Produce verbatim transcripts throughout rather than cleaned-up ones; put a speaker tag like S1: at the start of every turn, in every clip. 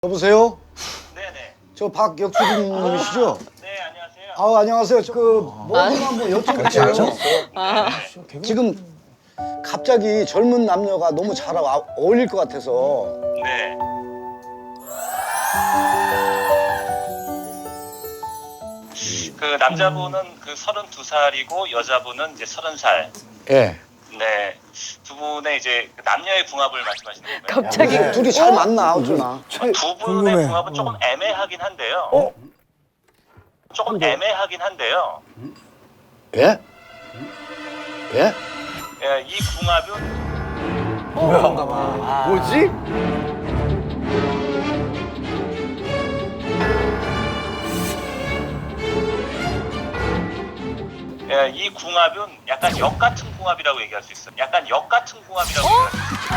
S1: 여보세요?
S2: 네네.
S1: 저 박역수님이시죠?
S2: 네, 안녕하세요.
S1: 아 안녕하세요. 저 그뭐 한번 여쭤볼게요.
S3: 아,
S1: 지금 갑자기 젊은 남녀가 너무 잘 아- 어울릴 것 같아서
S2: 네. 그 남자분은 그 서른두 살이고 여자분은 이제 서른 살.
S1: 예.
S2: 네. 두 분의 이제 그 남녀의 궁합을 말씀하시는 건가요?
S3: 갑자기
S1: 네. 둘이 잘 맞나 어쩌나?
S2: 두 분의
S4: 궁금해.
S2: 궁합은 조금 애매하긴 한데요. 조금 애매하긴 한데요.
S1: 예? 예?
S2: 예, 이 궁합은
S4: 뭐지?
S2: 예, 이 궁합은 약간 역 같은 궁합이라고 얘기할 수 있어요. 약간 역 같은 궁합이라고 얘기할 수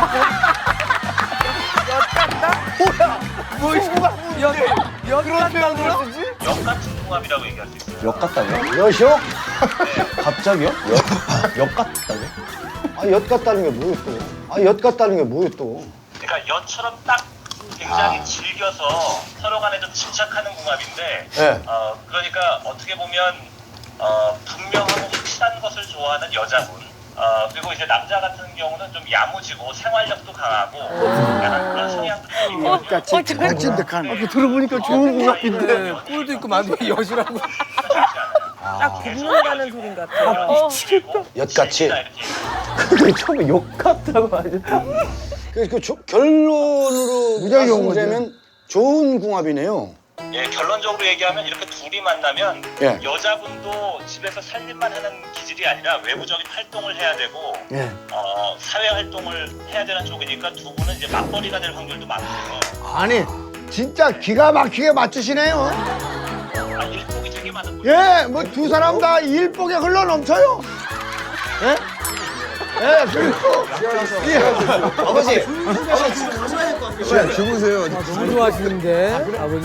S2: 있어요.
S4: 그런 표현을 쓰지?
S2: 역 같은 궁합이라고 얘기할 수 있어요.
S5: 역 같다고요?
S1: 여시오?
S5: 갑자기요? 역, 역 같다고요?
S1: 아, 엿 같다는 게 뭐예요 또? 아, 엿 같다는 게 뭐예요 또?
S2: 그러니까 연처럼 딱 굉장히 즐겨서 서로 간에 좀 집착하는 궁합인데
S1: 예.
S2: 어, 그러니까 어떻게 보면 어, 분명하고 확실한 것을 좋아하는 여자분 어, 그리고 이제 남자 같은 경우는 좀 야무지고 생활력도 강하고 약간 그런 성향들이 있거든요.
S3: 어, 저-
S4: 찐득한.
S2: 네.
S4: 들어보니까 좋은 것 같은데.
S2: 꿀도 있고
S4: 만두 여시라고.
S2: 딱
S3: 굽는다는 소린 같아. 어.
S1: 엿같이?
S5: 그게 처음에 역 같다고 하죠.
S1: 그, 그 조- 결론으로
S4: 무지하게 좋은
S1: 말씀드리면 좋은 궁합이네요.
S2: 예, 결론적으로 얘기하면 이렇게 둘이 만나면
S1: 예.
S2: 여자분도 집에서 살림만 하는 기질이 아니라 외부적인 활동을 해야 되고
S4: 예.
S2: 어, 사회 활동을 해야 되는 쪽이니까 두 분은 이제 맞벌이가 될 확률도 많고요.
S4: 아니, 진짜 기가 막히게 맞추시네요.
S2: 아, 일복이 되게 많은 분이
S4: 예, 뭐 두 사람 다 일복에 흘러 넘쳐요. 예? 예, 그리고
S1: 아버지!
S4: 주무세요.
S6: 너무 좋아하시는데 아버님.